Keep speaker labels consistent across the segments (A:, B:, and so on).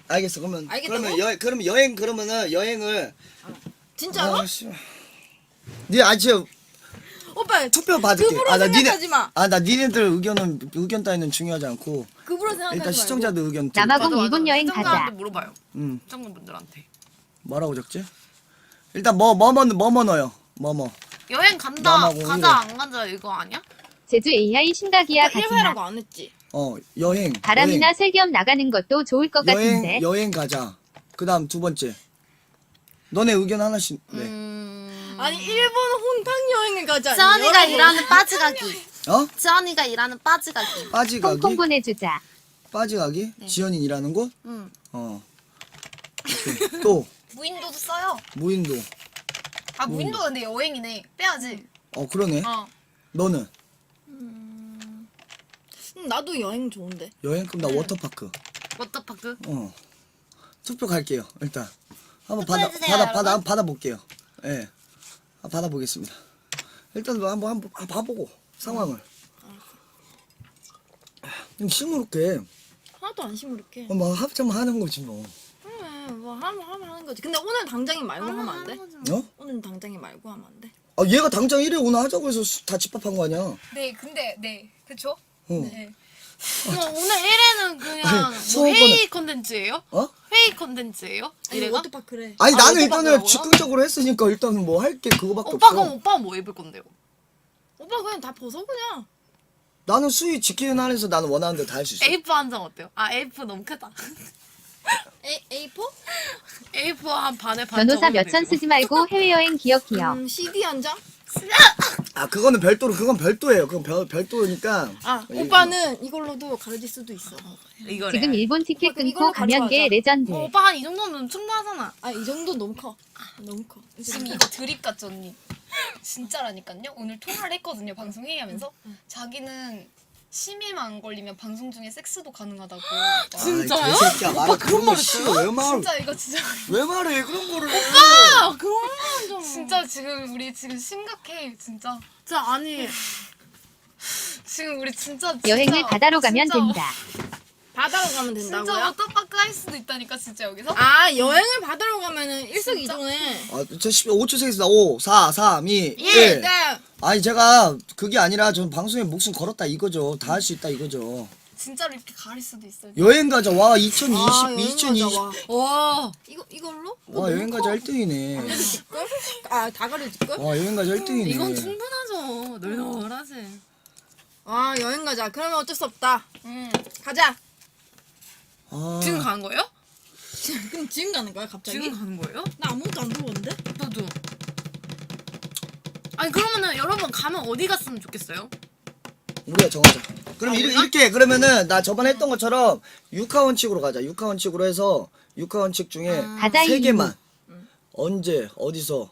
A: 알겠어. 그러면
B: 알겠다고?
A: 그러면 여행 그러면은 여행을
B: 진짜로?
A: 네 지금
B: 오빠
A: 투표 받을게.
B: 급으로 생각하지 마.
A: 나 니네들 의견 따위는 중요하지 않고
B: 급으로 생각하지
A: 일단
B: 말고.
A: 시청자들 의견 들.
C: 남아공 일본 여행 가자.
D: 시청자한테 물어봐요.
A: 응.
D: 시청자분들한테.
A: 뭐라고 적지? 일단 뭐 넣어요. 뭐.
D: 여행 간다.
A: 남아공
D: 가자
A: 일본.
D: 안 가자 이거 아니야?
C: 제주 AI 신각이야
B: 오빠
C: 가지마.
B: 1회라고 안 했지?
A: 여행.
C: 바람이나 세겸 나가는 것도 좋을 것 같은데.
A: 여행 가자. 그다음 두 번째. 너네 의견 하나씩. 네.
B: 아니 일본 혼탕 여행을 가자.
D: 지원이가
B: 여러분.
D: 일하는 빠지가기.
A: 어?
D: 지원이가 일하는 빠지가기.
A: 빠지가기.
C: 홍콩 보내주자.
A: 빠지가기. 지연이 일하는 곳.
D: 응.
A: 오케이. 또
E: 무인도도 써요.
A: 무인도.
E: 아 무인도가 근데 여행이네. 빼야지.
A: 그러네. 너는
B: 나도 여행 좋은데.
A: 여행 그럼 나 워터파크.
D: 워터파크.
A: 투표 갈게요. 일단 한번
E: 투표해주세요, 여러분.
A: 받아볼게요. 예. 받아보겠습니다. 일단 한번 봐보고 상황을. 시무룩해.
B: 하나도 안 시무룩해.
A: 뭐 합참 하는 거지 뭐.
B: 그래 뭐 하는 거지. 근데 오늘 당장이 말고 하면 안 돼? 오늘 당장이 말고 하면 안 돼?
A: 얘가 당장 1회 오늘 하자고 해서 다 집합한 거 아니야?
E: 네, 근데 네, 그쵸? 네.
D: 그럼 오늘 1회는 그냥 뭐
A: 수업은-
D: 회의 컨텐츠예요? 회의 컨텐츠예요?
B: 아니
D: 이래가?
B: 워터파크래.
A: 아니 나는
D: 워터파크라고요?
A: 일단은 즉흥적으로 했으니까 일단은 뭐 할 게 그거밖에
D: 오빠
A: 없어.
D: 그럼 오빠 뭐 입을 건데요?
B: 오빠 그냥 다 벗어 그냥.
A: 나는 수위 지키는 한에서 나는 원하는 대로 다 할 수 있어.
D: A4 한 장 어때요? A4 너무 크다.
B: A4?
D: A4 한 반에 반
C: 변호사
D: 적으면
C: 몇 천
D: 되고.
C: 쓰지 말고 해외여행 기억.
B: CD 한 장?
A: 그거는 별도로 그건 별도예요. 그건 별도니까.
B: 오빠는 이걸로도 가르칠 수도 있어.
D: 이거래.
C: 지금 일본 티켓
B: 오빠, 이걸로
C: 끊고 가면 게
B: 가져가자.
C: 레전드.
D: 오빠 한 이 정도면 충분하잖아.
B: 이 정도 너무 커. 너무 커.
E: 지금 이거 드립 같죠 언니? 진짜라니까요. 오늘 통화를 했거든요. 방송 회의하면서 자기는 심의만 안 걸리면 방송 중에 섹스도 가능하다고.
D: 진짜요?
A: 개새끼야 말아
D: 그런 말 했어요?
A: 왜 말?
E: 진짜 이거 진짜
A: 왜 말해 그런 거를?
D: 아, 그런 좀.
E: 진짜 지금 우리 지금 심각해 진짜.
D: 진짜 아니.
E: 지금 우리 진짜
C: 여행을 바다로 가면
E: 진짜,
C: 된다.
B: 바다로 가면
E: 진짜
B: 된다고요?
E: 워터파크 할 수도 있다니까 진짜 여기서.
B: 여행을 바다로 가면은 일석이조네.
A: 저 5초 세겠습니다. 5, 4, 3, 2, 1.
B: 네.
A: 아니 제가 그게 아니라 전 방송에 목숨 걸었다 이거죠. 다 할 수 있다 이거죠.
E: 진짜로 이렇게 가릴 수도 있어요.
A: 여행 가자. 와 2020,
B: 여행
A: 2020.
B: 가자, 와.
D: 와.
B: 이걸로?
A: 와 여행 가자 1등이네.
B: 다 가려줄걸?
A: 와 여행 가자 1등이네.
D: 이건 충분하죠. 널널하지.
B: 여행 가자. 그러면 어쩔 수 없다. 가자.
D: 지금 가는 거예요?
B: 그럼 지금 가는 거야 갑자기?
D: 지금 가는 거예요?
B: 나 아무것도 안 들어봤는데?
D: 나도. 아니 그러면은 여러분 가면 어디 갔으면 좋겠어요?
A: 우리가 정하자. 그럼
D: 우리가?
A: 이렇게 그러면은 나 저번에 했던 것처럼 6화 원칙으로 가자. 6화 원칙으로 해서 6화 원칙 중에
C: 가자,
A: 3개만 언제 어디서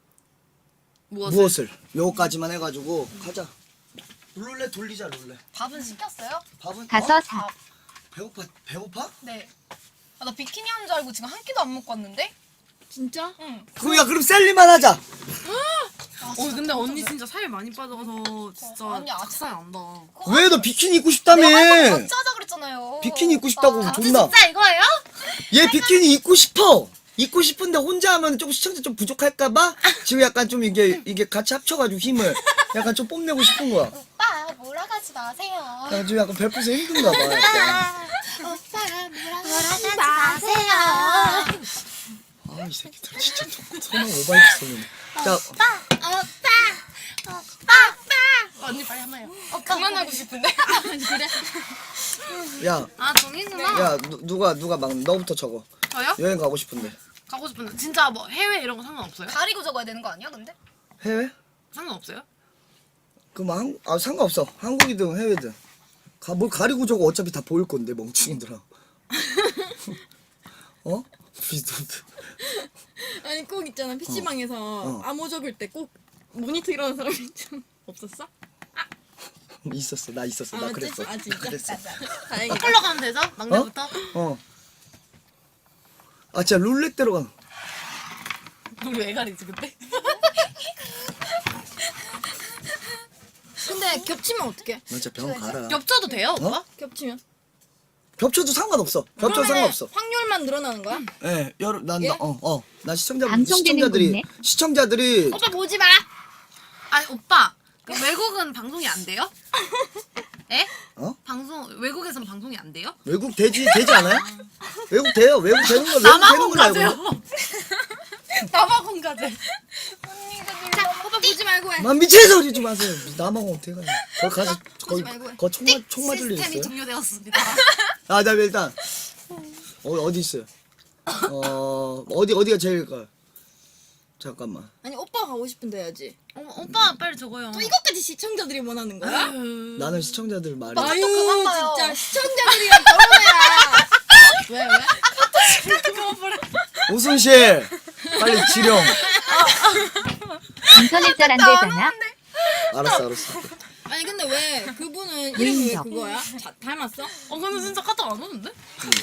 A: 무엇을 요거까지만 해가지고 가자. 룰렛 돌리자 룰렛.
E: 밥은 시켰어요?
A: 밥은
C: 가서 사.
A: 배고파?
E: 네. 나 비키니 한 줄 알고 지금 한 끼도 안 먹고 왔는데?
B: 진짜?
E: 응.
A: 그럼 셀리만 하자.
D: 근데 언니 진짜 살 많이 빠져서 진짜
E: 아니,
D: 작살 난다.
A: 왜 너 비키니 입고 싶다며?
E: 내가 할 거면 같이 하자 그랬잖아요.
A: 비키니 입고 싶다고
E: 오빠.
A: 존나.
D: 진짜 이거예요?
A: 얘 비키니 입고 싶어. 입고 싶은데 혼자 하면 조금 시청자 좀 부족할까봐 지금 약간 좀 이게 같이 합쳐가지고 힘을 약간 좀 뽐내고 싶은 거야.
E: 오빠 몰아가지 마세요.
A: 약간 좀 약간 별풍선 힘든가 봐. 약간.
E: 오빠 몰아가지 마세요.
A: 이 새끼들 진짜 소망 오바이트 소리네. 자,
D: 언니 빨리 한번 해요.
E: 그만하고 싶은데?
B: 그래?
A: 야,
D: 정이구나.
A: 누가 막 너부터 적어.
D: 저요?
A: 여행 가고 싶은데.
D: 가고 싶은데 진짜 뭐 해외 이런 거 상관없어요?
E: 가리고 적어야 되는 거 아니야 근데?
A: 해외?
D: 상관없어요?
A: 그럼 상관없어. 한국이든 해외든. 뭘 가리고 적어 어차피 다 보일 건데 멍충이들아. 비슷한데.
B: 아니 꼭 있잖아 PC방에서 암호 적을 때 꼭 모니터 이러는 사람이 좀 없었어?
A: 있었어. 나 있었어. 나 그랬어.
B: 진짜?
A: 그랬어.
B: 다행이다.
D: 컬러 가면 되죠? 막내부터?
A: 진짜 룰렛대로 가.
D: 우리 왜 가리지 그때?
B: 근데 겹치면 어떡해?
A: 너 진짜 병원 가라.
D: 겹쳐도 돼요 오빠?
B: 겹치면?
A: 겹쳐도 상관없어. 겹쳐도
B: 그러면은
A: 상관없어.
B: 확률만 늘어나는 거야?
A: 예, 난,
B: 예?
A: 나
C: 방송되는 곳네.
A: 시청자들이,
B: 오빠 보지 마.
D: 아니 오빠 그 외국은 방송이 안 돼요? 에?
A: 어?
D: 방송 외국에선 방송이 안 돼요?
A: 외국 되지 않아요? 외국 돼요. 외국 되는 거, 외국 되는
D: 남아공
A: 걸 알고.
D: 가세요.
A: 있는
D: 남아공 가세요.
E: 언니가
B: 자,
E: 눌러.
B: 오빠 보지 말고 해.
A: 만 미친 소리 좀 하세요. 남아공 어떻게 가냐. 거기 가서, 거기,
B: 말고 해.
A: 총 맞을 일
D: 시스템이
A: 있어요?
D: 종료되었습니다.
A: 아, 나 일단, 어디 있어요? 어디가 제일일까요? 잠깐만.
B: 아니 오빠가 가고 싶은데 해야지.
D: 오빠 빨리 적어요.
B: 또 이것까지 시청자들이 원하는 거야?
A: 나는 시청자들 말이.
E: 맞아.
B: 아유
E: 또 그만 봐요.
B: 진짜 시청자들이랑 결혼해야. 왜?
A: 오순실! 빨리 지령.
C: 인터넷 잘 안 되잖아.
A: 알았어.
B: 아니 근데 왜 그분은 이름이 왜
C: 인정.
B: 그거야? 닮았어?
D: 근데 진짜 카톡 안 오는데?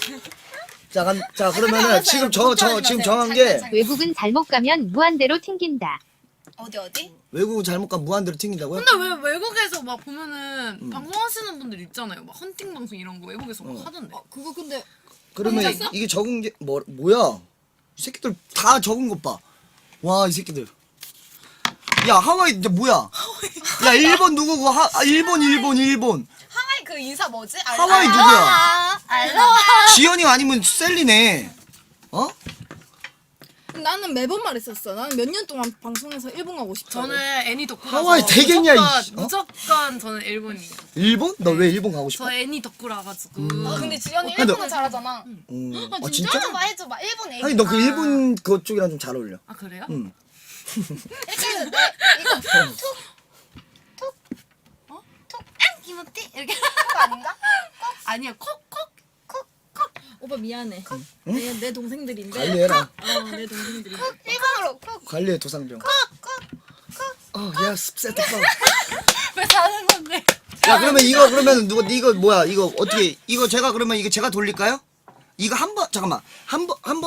A: 자, 그러면은 지금 지금 정한 게
C: 외국은 잘못 가면 무한대로 튕긴다.
E: 어디?
A: 외국은 잘못 가면 무한대로 튕긴다고요?
D: 근데 왜 외국에서 막 보면은 방송하시는 분들 있잖아요. 막 헌팅 방송 이런 거 외국에서 막 하던데.
B: 그거 근데
A: 그러면
B: 혼자서?
A: 이게 적은 게 뭐야? 이 새끼들 다 적은 것 봐. 와, 이 새끼들. 야, 하와이 이제 뭐야? 야, 일본 누구고? 일본.
E: 하와이 그 인사 뭐지?
A: 하와이 누구야?
E: 알로하.
A: 지연이 아니면 셀리네. 어?
B: 나는 매번 말했었어. 나는 몇 년 동안 방송에서 일본 가고 싶어.
D: 저는 애니 덕후라서
A: 하와이 되겠냐, 이씨.
D: 무조건 저는 일본이에요.
A: 일본? 너 왜 일본 가고 싶어?
D: 저 애니 덕후라 가지고.
E: 근데 지연이
A: 근데-
E: 일본어 잘하잖아.
A: 진짜?
E: 해줘봐 해줘봐. 일본 애기.
A: 아니, 너 그 일본 그쪽이랑 좀 잘 어울려.
D: 아 그래요?
A: 응.
E: 이렇게 해서 이거 툭툭
D: 기모띠 이렇게.
E: 그거 아닌가?
D: 아니요 콕콕.
B: 오빠 미안해. 내 동생들인데.
A: 관리해라.
B: 내 동생들인데.
E: 일본어로 쿡.
A: 관리해, 도상병. 야, 습세다.
D: 왜 사는 건데?
A: 야, 그러면 이거 뭐야? 이거 어떻게, 이거 제가 그러면 이거 제가 돌릴까요? 이거 잠깐만. 한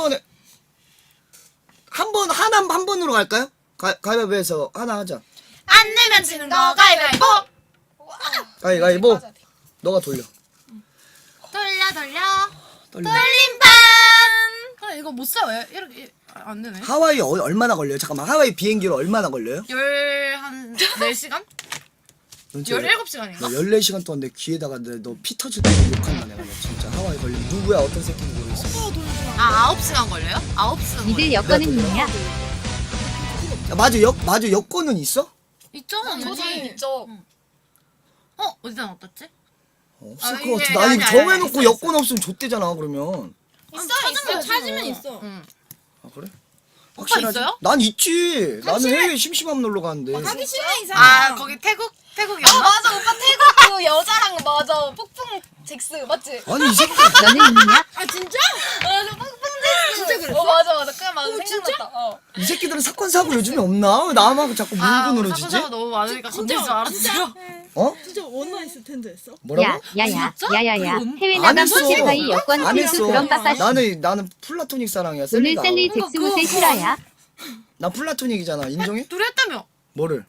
A: 번으로 갈까요? 가위바위보해서 하나 하자.
D: 안 내면 지는 거 가위바위보.
A: 가위바위보.
E: 맞아, 돼.
A: 너가 돌려.
D: 돌려.
A: 떨려.
D: 돌림판. 아 이거 못 사 왜 이렇게 안 되네.
A: 하와이 얼마나 걸려요? 잠깐만. 하와이 비행기로 얼마나 걸려요?
D: 한 4시간?
A: 넌 진짜
D: 17시간인가?
A: 너 14시간 동안 내 귀에다가 너 피 터질 때 욕한다 내가 너 진짜. 하와이 걸리면 누구야? 어떤 새끼인지 모르겠어.
D: 아 9시간 걸려요? 9시간
C: 니들 여권은 있냐?
A: 야, 맞아 여권은 있어?
D: 있죠?
E: 저도
D: 당연히.
E: 있죠.
D: 어디다 놨댔지?
A: 없을
D: 아,
A: 것
D: 이게
A: 같아. 나 이거
D: 아니,
A: 정해놓고
D: 있어,
A: 여권 없으면 좆대잖아 그러면.
B: 찾으면 있어.
D: 응.
A: 아 그래?
D: 오빠 있어요?
A: 난 있지. 나는 해외 심심하면 놀러 가는데.
B: 하기 싫은 이상.
D: 아 거기 태국이었나?
E: 맞아 오빠 태국 그 여자랑 맞아 폭풍 잭스 맞지?
A: 아니 이 새끼.
C: 너는 있냐?
B: 아 진짜?
E: 맞아 폭풍 잭스.
B: 진짜 그랬어?
E: 맞아 그냥 맞아 생각났다.
A: 이 새끼들은 사건 사고 요즘에 없나? 왜 나만 자꾸 물고 늘어지지?
D: 사고사가 너무 많으니까 건질 줄 알았어요.
A: 어?
B: 진짜 원나잇 텐드 했어?
A: 뭐라고?
C: 야야야. 해외
A: 안
C: 나간
A: 했어.
C: 포티파이 여권
A: 안
C: 필수
A: 했어.
C: 그런 빠빠시.
A: 나는 플라토닉 사랑이야.
C: 오늘
A: 셀리가.
C: 셀리 잭스무새 실화야.
A: 나 플라토닉이잖아. 인정해?
D: 둘이 했다며?
A: 뭐를?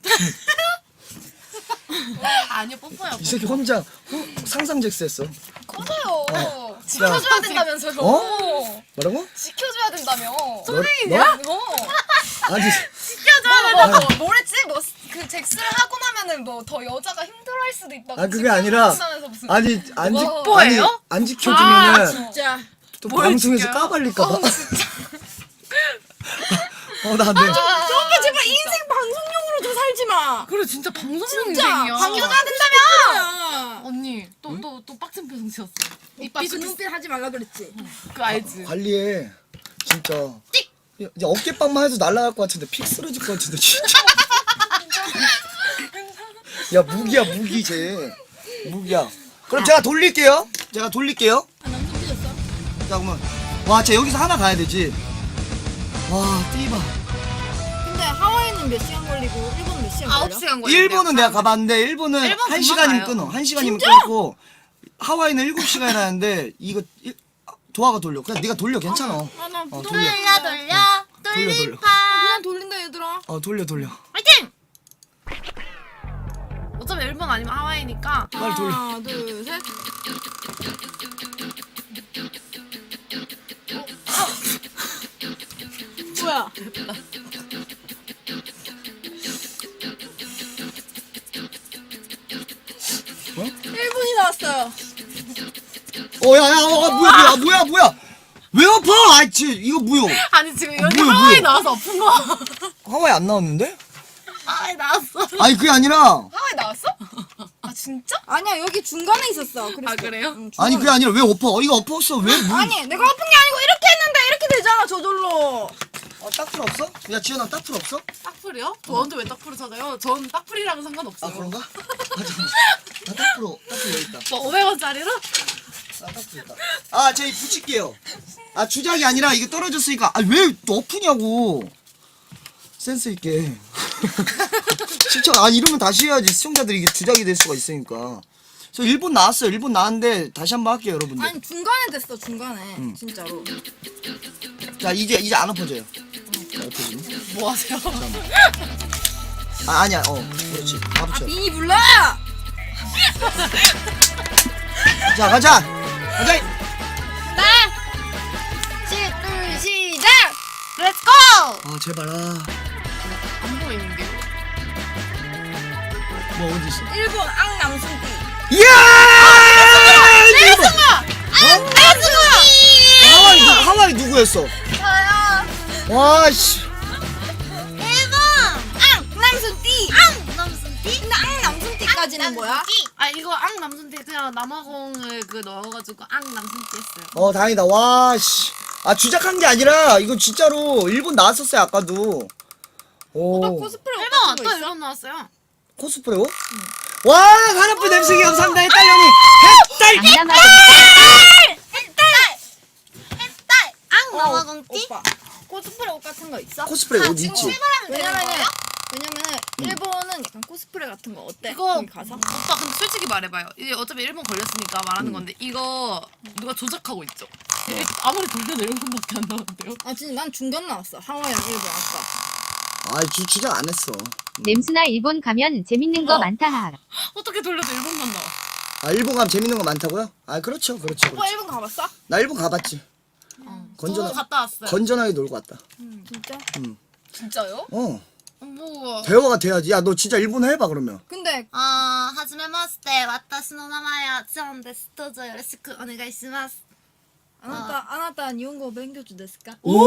D: 아니요 뽀뽀요.
A: 이 새끼 혼자 상상잭스 했어.
E: 커져요. 지켜줘야 된다면서요.
A: 어? 뭐라고?
E: 지켜줘야 된다며.
A: 너? 아니
E: 맞아. 뭐랬지? 뭐 그 잭스를 하고 나면은 뭐 더 여자가 힘들어할 수도 있다고.
A: 아 그게 아니라
E: 지켜준다면서 무슨.
A: 아니
D: 뽀뽀예요?
A: 안 지켜주면은
B: 진짜.
A: 또
D: 뭘
A: 방송에서
D: 지켜요?
A: 까발릴까봐. 나 안 돼.
B: 오빠 제발 인생 방송용으로 좀 살지 마.
D: 그래 진짜 방송
B: 진짜
D: 인생이야.
B: 방송해야 된다며.
D: 언니 또 빡친 표정 지었어.
B: 오빠 그 눈빛 하지 말라 그랬지.
D: 그 알지?
A: 관리해. 진짜. 이제 어깨빵만 해도 날아갈 것 같은데 픽 쓰러질 것 같은데 진짜. 야 무기야 무기 쟤. 무기야. 그럼 제가 돌릴게요.
B: 남편 삐졌어?
A: 자 그러면 쟤 여기서 하나 가야 되지. 와 띠바.
B: 근데 하와이는 몇 시간 걸리고 일본은 몇 시간 걸려?
D: 9시간 걸려.
A: 일본은 내가 가봤는데 일본은
D: 일본
A: 1시간이면
D: 금방
A: 끊어.
D: 가요.
A: 1시간이면 끊고 하와이는 7시간 하는데 이거 도화가 돌려. 그냥 네가 돌려 괜찮아.
B: 아나
A: 돌려.
D: 돌려
A: 돌려.
B: 그냥 돌린다 얘들아.
A: 돌려.
D: 화이팅! 어차피 일본 아니면 하와이니까
A: 빨리 돌려.
B: 하나 둘 셋. 나왔어요.
A: 뭐야. 왜 엎어? 아, 이거 뭐야?
D: 아니 지금 이런
A: 뭐야,
D: 하와이
A: 뭐야?
D: 나와서 아픈 거.
A: 하와이 안 나왔는데?
D: 하와이 나왔어.
A: 아니, 그게 아니라.
E: 하와이 나왔어? 아 진짜?
B: 아니야 여기 중간에 있었어.
D: 아 그래요?
B: 응,
A: 아니,
B: 중간에.
A: 그게 아니라 왜 엎어? 이거 엎었어. 왜?
B: 아니 내가 아픈 게 아니고 이렇게 했는데 이렇게 되잖아 저절로.
A: 딱풀 없어? 야, 지현아, 딱풀 없어?
D: 딱풀이요? 저한테 왜 딱풀을 찾아요? 전 딱풀이랑은 상관없어요.
A: 아, 그런가? 나 딱풀 여기 있다.
D: 뭐 500원짜리로?
A: 나 딱풀 있다. 아, 저희 붙일게요. 아, 주작이 아니라 이게 떨어졌으니까. 아, 왜 또 엎으냐고. 센스 있게. 진짜, 아, 이러면 다시 해야지. 시청자들이 이게 주작이 될 수가 있으니까. 저 일본 나왔어요. 일본 나왔는데 다시 한번 할게요, 여러분들.
B: 아니 중간에 됐어 중간에 진짜로.
A: 자, 이제 안 엎어져요. 자, 엎어지네.
D: 뭐 하세요?
A: 아, 아니야. 그렇지. 다 붙여.
B: 비니 불러.
A: 자, 가자. 가자.
E: 둘 시작. 렛츠고.
A: 아, 제발.
D: 안 보이는 게.
A: 뭐 어디 있어?
B: 일본 앙남순띠.
A: 이야! 일본. 하와이 누구였어?
E: 저요.
A: 와, 씨.
B: 일본 앙남순띠. 앙남순띠? 근데 앙남순띠까지는 뭐야?
D: 아 이거 앙 남순띠 그냥 남아공을 그 넣어가지고 앙 남순띠 했어요.
A: 다행이다. 와, 씨. 아, 주작한 게 아니라 이거 진짜로 일본 나왔었어요, 아까도.
B: 오빠
A: 오.
B: 코스프레
D: 일본
B: 같은 거
D: 또
B: 있어?
D: 일본 나왔어요.
A: 코스프레요? 와, 하나뿐 냄새기 감사합니다. 햇달 형님. 햇달.
C: 안 남아도
B: 앙 남아공띠? 오빠 코스프레 옷 같은 거 있어?
A: 코스프레 옷 있지?
E: 출발하면 되는 거예요?
B: 왜냐면은 일본은 약간 코스프레 같은 거 어때?
D: 이거
B: 거기 가서?
D: 오빠 근데 솔직히 말해봐요. 이게 어차피 일본 걸렸으니까 말하는 건데 이거 누가 조작하고 있죠? 아무리 돌려도 일본밖에 안 나오는데요.
B: 아 진짜 난 중간 나왔어. 하와이랑 일본 아까.
A: 아, 주작 안 했어.
C: 냄수나 일본 가면 재밌는 거
D: 어.
C: 많다. 하.
D: 어떻게 돌려도 일본만 나와.
A: 아, 일본 가면 재밌는 거 많다고요? 아, 그렇죠. 그렇죠.
B: 오빠 일본 가봤어?
A: 나 일본 가봤지.
D: 저도 갔다 왔어요.
A: 건전하게 놀고 왔다.
B: 진짜?
E: 진짜요?
D: 뭐
A: 대화가 돼야지. 야, 너 진짜 일본어 해봐, 그러면.
B: 근데
D: 하지메마스테 와타시 노 나마야 전 데스. 도저 요로시쿠 오네가이시마스.
B: 아나타 일본어 勉強中ですか?
A: 오!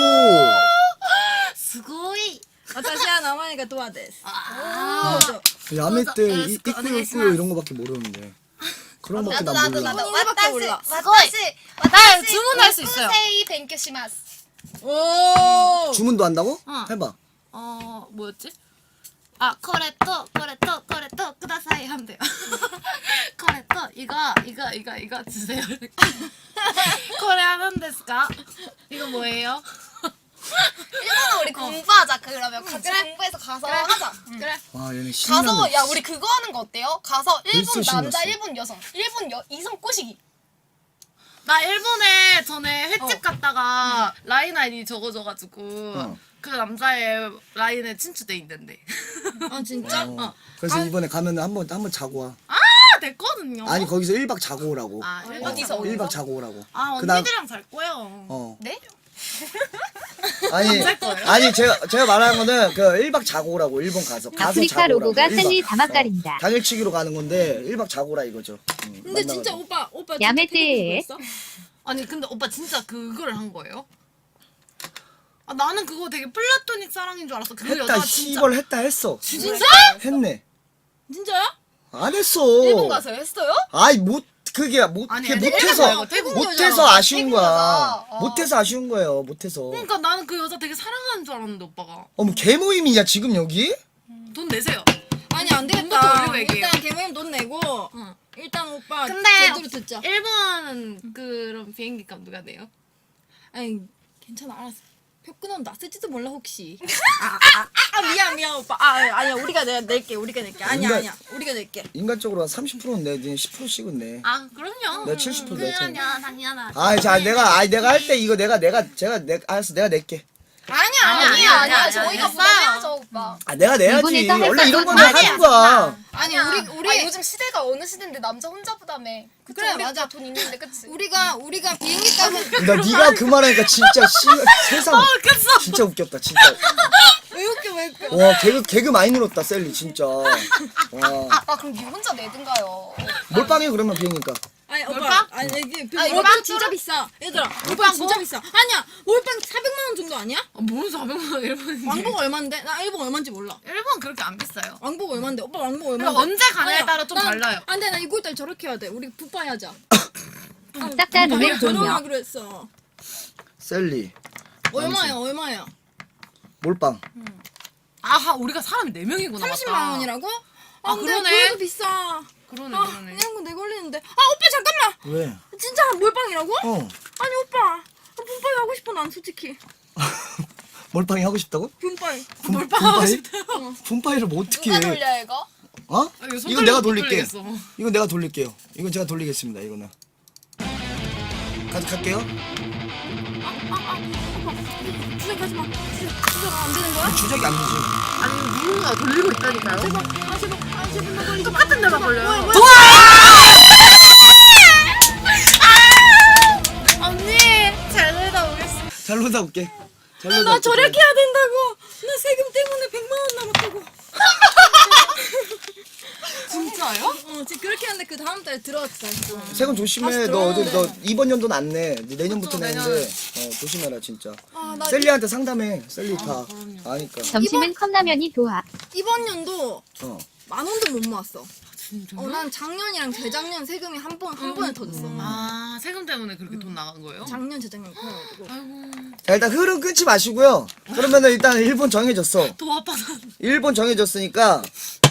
D: すごい.
B: 私は名前がドアです.
D: 아.
A: 야매 때
D: 그래서
A: 이꾸요 이런 거밖에 모르는데. 그런 거밖에 난 몰라.
B: 일본어밖에 몰라.
D: 나 주문할 수 있어요.
E: 세이 뱅큐시마스.
B: 오.
A: 주문도 한다고?
D: 어.
A: 해봐.
D: 뭐였지? 아, 코레토 쿠다사이 하면 돼요. 코레토 이거 주세요. 코레 하는 데스까? 이거 뭐예요?
E: 일본어 우리 공부하자. 그러면 같이 공부해서 가서 하자.
B: 그래.
A: 와, 얘네 신나네.
E: 가서 야 우리 그거 하는 거 어때요? 가서 일본
A: 글쎄
E: 남자,
A: 신났어.
E: 일본 여성, 일본 이성 꼬시기.
D: 나 일본에 전에 횟집 갔다가 라인 아이디 적어줘가지고 그 남자의 라인에 친추돼 있는데.
B: 아 진짜?
A: 그래서 이번에 가면 한번 자고 와.
D: 아, 됐거든요.
A: 아니, 거기서 1박 자고 오라고.
D: 아,
E: 어디서?
A: 1박 자고 오라고.
D: 아,
A: 그다음-
D: 언니들이랑 잘 거예요.
E: 네?
A: 아니 제가 말하는 거는 그 1박 자고 오라고. 일본 가서
C: 아프리카
A: 자고
C: 로고가
A: 오라고.
C: 샌리
A: 1박.
C: 다막가린다.
A: 당일치기로 가는 건데 1박 자고 오라 이거죠.
B: 근데 진짜 오빠
C: 야매
B: 진짜
C: 때.
B: 했어?
D: 아니 근데 오빠 진짜 그걸 한 거예요? 아, 나는 그거 되게 플라토닉 사랑인 줄 알았어. 그
A: 했다
D: 여자 진짜.
A: 시벌 했어.
B: 진짜?
A: 했네.
B: 진짜야?
A: 안 했어.
E: 일본 가서 했어요?
A: 아이 그게
D: 아니,
A: 못해서
D: 일본 태국
A: 못해서 아쉬운
E: 태국
A: 거야.
E: 여자.
A: 못해서 아쉬운 거예요. 못해서.
D: 그러니까 나는 그 여자 되게 사랑하는 줄 알았는데 오빠가
A: 어머 개모임이냐 지금 여기?
D: 돈 내세요.
B: 아니 안
D: 돈부터
B: 되겠다.
D: 올리고 얘기해요.
B: 일단 개모임 돈 내고
D: 응.
B: 일단 오빠
D: 근데
B: 제대로 듣자.
D: 일본 그런 비행기 값 누가 내요?
B: 아니 괜찮아 알았어. 표 끊어도 나 쓸지도 몰라 혹시. 미안 오빠. 아니야 우리가 낼게. 아니야 우리가 낼게.
A: 인간적으로 한 30%는 내, 10%씩은 내.
D: 아 그럼요.
A: 내가 70% 낼 테니까.
D: 그럼요 당연하지.
A: 내가 할 때 이거 알았어 내가 낼게.
D: 아니야.
E: 저희가
D: 알았어요.
E: 부담해야죠 오빠.
A: 내가 내야지.
C: 일본에서 할
A: 원래 이런
C: 거
A: 건
C: 아니야.
A: 하는 거야.
B: 아니
E: 아니야.
B: 우리
E: 요즘 시대가 어느 시대인데 남자 혼자 부담해. 그쵸?
B: 그래,
E: 우리
B: 맞아.
E: 돈 있는데 그치?
B: 우리가 비행기 값은
A: 나 네가 그 말하니까 진짜 세상
D: 웃겼어.
A: 진짜 웃겼다 진짜.
B: 왜 웃겨.
A: 와 개그 많이 늘었다 셀리 진짜. 와
E: 아 그럼 니 혼자 내든가요.
A: 몰빵해 그러면 비행니까.
B: 아니 오빠
D: 몰빵?
B: 아니 이게
E: 아, 이거
B: 몰빵
E: 빵
B: 진짜
E: 뚫어?
B: 비싸. 얘들아 몰빵 진짜 비싸. 아니야 몰빵 400만 원 정도 아니야?
D: 뭔 400만 원 일본인데.
B: 왕복 얼마인데? 나 일본 얼마인지 몰라.
D: 일본 그렇게 안 비싸요.
B: 왕복 얼마인데? 오빠 왕복 얼마인데?
D: 그러니까 언제 가냐에
B: 아니야,
D: 따라 좀 달라요.
B: 안돼 나 이걸 달 저렇게 해야 돼. 우리 붓바이 하자.
C: 싹다 룰렛 돌며
B: 저렴하기로 했어.
A: 셀리
B: 얼마야?
A: 몰빵.
D: 아하 우리가 사람이 4명이구나.
B: 30만 원이라고?
D: 아,
B: 근데
D: 그러네.
B: 그래도 비싸.
D: 그러네
B: 아
D: 그러네.
B: 이런 거 내 걸리는데. 아 오빠 잠깐만.
A: 왜?
B: 진짜 몰빵이라고?
A: 어.
B: 아니 오빠 붓바이 하고 싶어 난 솔직히.
A: 몰빵이 하고 싶다고?
B: 붓바이.
A: 몰빵하고 싶대요. 분파이를 뭐 어떻게
E: 누가
A: 해?
E: 돌려 이거?
A: 어?
D: 아, 이거 손
A: 이건 내가
D: 못
A: 돌릴게.
D: 돌리겠어.
A: 이건 내가 돌릴게요. 이건 제가 돌리겠습니다. 이거는. 갈게요.
B: 주작하지 마. 주작 안 되는 거야?
A: 주작이 안 되지.
D: 아니 누군가 돌리고 있다니까요.
B: 제발 나 걸리지 마.
D: 똑같은 데만 걸려요. 언니 잘 놀다 오겠어.
A: 잘 놀다 올게. 잘 놀다
B: 나
A: 올게.
B: 저렇게 해야 된다고. 나 세금 때문에 100만 원 남았다고.
D: 진짜요?
B: 지금 그렇게 하는데 그 다음 달에 들어왔어.
A: 세금 조심해.
B: 다시
A: 너 어제
B: 들어오네.
A: 너 이번 연도는 안 내. 네 내년부터
D: 그쵸,
A: 내는데 조심해라 진짜.
B: 나
A: 셀리한테 상담해. 셀리 다 아니까.
C: 점심은 컵라면이 도하.
B: 이번 연도
A: 어.
B: 10,000원도 못 모았어.
D: 진짜요?
B: 난 작년이랑 재작년 세금이 한 번에 터졌어.
D: 아 세금 때문에 그렇게 돈 나간 거예요?
B: 작년 재작년 그래가지고.
D: 아이고
A: 자 일단 흐름 끊지 마시고요. 그러면은 일단 일본 정해졌어.
D: 더 아파서.
A: 일본 정해졌으니까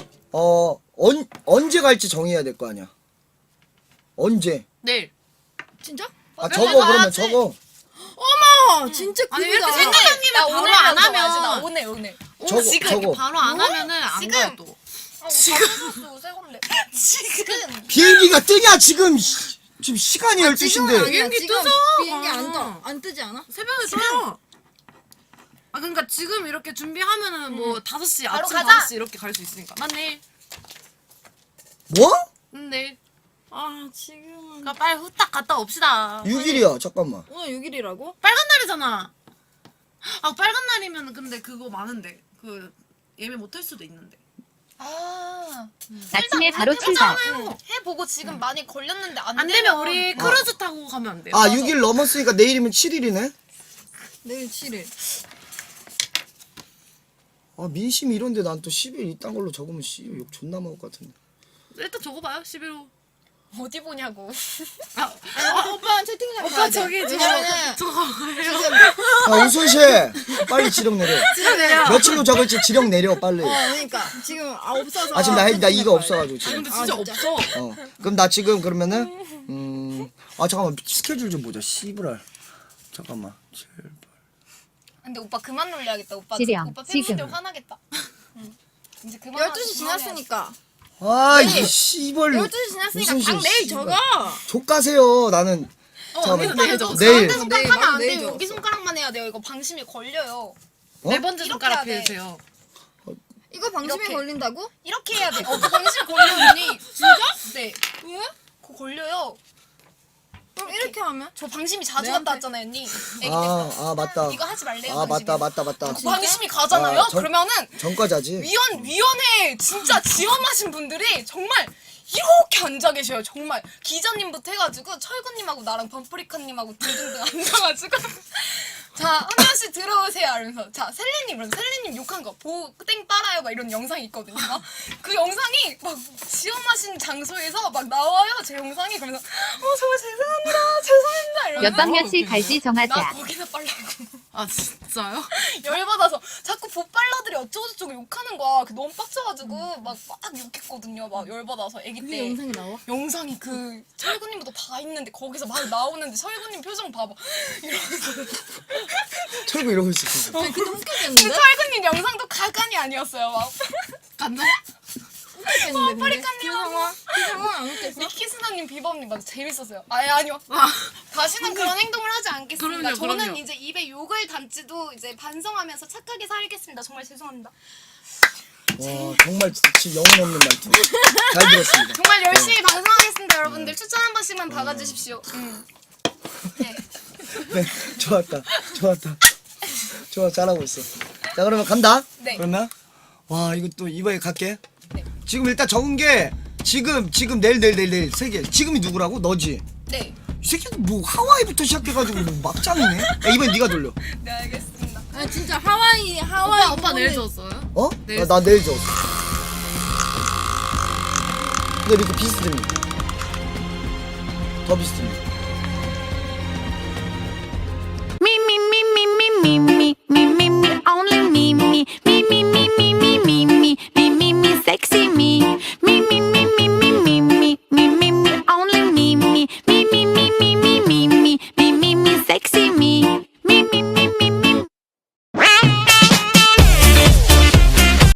A: 언제 갈지 정해야 될 거 아니야. 언제?
D: 내일.
B: 진짜?
A: 아
D: 맨날
A: 적어 그러면
D: 가야지.
A: 적어.
B: 어머 진짜
D: 아니
B: 급이다.
D: 이렇게 생각하님이
E: 나
D: 바로
E: 오늘
D: 안
E: 안 하면 나
D: 하면
E: 오늘.
A: 저거,
D: 지금
A: 저거.
D: 이렇게 바로 안 하면은 안
E: 지금.
D: 가요 또.
E: 지금 새 건데. 지금.
A: 비행기가 뜨냐 지금 지금 시간이
B: 지금은
A: 12시인데.
B: 아니야.
D: 비행기
B: 지금
D: 뜨죠?
B: 비행기
D: 아.
B: 안 뜨지 않아?
D: 새벽에 떠요. 아 그러니까 지금 이렇게 준비하면은 뭐 5시
E: 바로
D: 아침
E: 가자.
D: 5시 이렇게 갈 수 있으니까. 난 내일.
A: 뭐?
D: 내일.
B: 아 지금은
D: 그러니까 빨리 후딱 갔다 옵시다.
A: 6일이야 잠깐만.
B: 오늘 6일이라고?
D: 빨간 날이잖아. 아 빨간 날이면 근데 그거 많은데 그 예매 못 할 수도 있는데.
E: 아.
C: 아침에 바로 출발.
E: 해보고 지금 많이 걸렸는데 안,
D: 안 되면 우리 크루즈 타고 가면 안 돼요?
A: 아 6일 넘었으니까 내일이면 7일이네.
B: 내일 7일.
A: 아 민심이 이런데 난 또 10일 이딴 걸로 적으면 욕 존나 먹을 것 같은데.
D: 일단 적어봐요 11호.
E: 어디 보냐고.
D: 아
B: 오빠 채팅창
D: 오빠 저기
B: 왜냐면은
A: 아 우순씨 빨리 지령 내려.
D: 지금
A: 며칠로 적을지 지령 내려 빨리.
B: 그러니까 지금 없어서.
A: 아 지금 나
B: 채팅창
A: 이거
B: 봐야
A: 없어가지고
D: 아
A: 지금.
D: 근데 진짜 없어.
A: 그럼 나 지금 그러면은 아 잠깐만 스케줄 좀 보자. 씨부랄. 잠깐만. 제발.
E: 근데 오빠 그만 놀려야겠다. 오빠
C: 지령,
E: 오빠 팬분들
C: 지금.
E: 화나겠다. 응. 이제
B: 돼.
E: 그만.
B: 12시 지났으니까.
A: 아 이 씨벌.
B: 12시 지났으니까
A: 무슨
B: 방 내일
A: 씨발.
B: 적어.
A: 족가세요 나는.
D: 언니도 내일 적었어.
A: 내일.
E: 가운데 손가락 하면 안
B: 내일
E: 돼요.
B: 적었어.
E: 여기 손가락만 해야 돼요. 이거 방심이 걸려요.
A: 어?
D: 네 번째
E: 이렇게
D: 손가락
E: 해야 돼.
D: 피우세요.
B: 이거 방심에
E: 이렇게.
B: 걸린다고?
E: 이렇게 해야 돼. 그 방심 걸려 언니. 진짜? 네.
B: 왜?
E: 그거 걸려요.
B: 그럼 이렇게 하면?
E: 저 방심이 자주
B: 내한테.
E: 갔다 왔잖아요 언니. 애기 때.
A: 아 맞다.
E: 이거 하지 말래요.
A: 아 맞다
E: 방심이.
A: 맞다.
E: 그 방심이 가잖아요.
A: 아,
E: 그러면은
A: 전과자지.
E: 위원회 진짜 지원하신 분들이 정말 이렇게 앉아 계셔요. 정말 기자님부터 해가지고 철구님하고 나랑 범프리카님하고 등등등 앉아가지고 자 한 명씩 들어오세요 이러면서 자 셀리님 그럼 셀리님 욕한 거 보고 땡 빨아요 막 이런 영상이 있거든요. 그 영상이 막 지원하신 장소에서 막 나와요 제 영상이. 그러면서 정말 죄송합니다 이러면서
C: 몇 박 며칠 갈지
E: 나
C: 정하자.
E: 거기서 빨라고.
D: 아 진짜요?
E: 열받아서 자꾸 보빨러들이 어쩌고저쩌고 욕하는 거야. 그 너무 빡쳐가지고 막 욕했거든요. 막 열받아서 애기
B: 그게
E: 때.
B: 영상이 나와?
E: 영상이 그 철구님도 다 있는데 거기서 막 나오는데 철구님 표정 봐봐. 이러면서
A: 철구 이러고 있었어.
B: 아니 그때
E: 그
B: 웃겼겠는데?
E: 철구님 영상도 가관이 아니었어요. 막
D: 간다?
B: 웃겼겠는데 근데?
E: 파리카님하고
B: 그 상황 안 웃겼어?
E: 미키스나님 비범님 맞아 재밌었어요. 아니요. 다시는 그런 행동을 하지 않겠습니다.
D: 그럼요,
E: 저는
D: 그럼요.
E: 이제 입에 욕을 담지도 이제 반성하면서 착하게 살겠습니다. 정말 죄송합니다.
A: 와 정말 지금 영혼 없는 말투. 잘 들었습니다.
E: 정말 열심히 반성하겠습니다, 여러분들. 추천 한 번씩만 박아주십시오. 네.
A: 네 좋았다. 좋아 잘하고 있어. 자 그러면 간다.
E: 네.
A: 그러면 와 이거 또 이번에 갈게.
E: 네.
A: 지금 일단 적은 게 지금 내일 세 개. 지금이 누구라고? 너지.
E: 네.
A: 이 새끼는 뭐 하와이부터 시작해가지고 뭐 막장이네. 야, 이번 네가 돌려.
E: 네 알겠습니다.
B: 아 진짜 하와이
D: 오빠 내일 줬어요?
A: 어?
D: 내일
A: 나 내일 줘. 근데 이렇게 비슷해. 더 비슷해.
F: Me, me, me, me, me, me, me, me, me, me, only me, me, me, me, me, me, me, me, me, me, me, me, sexy me.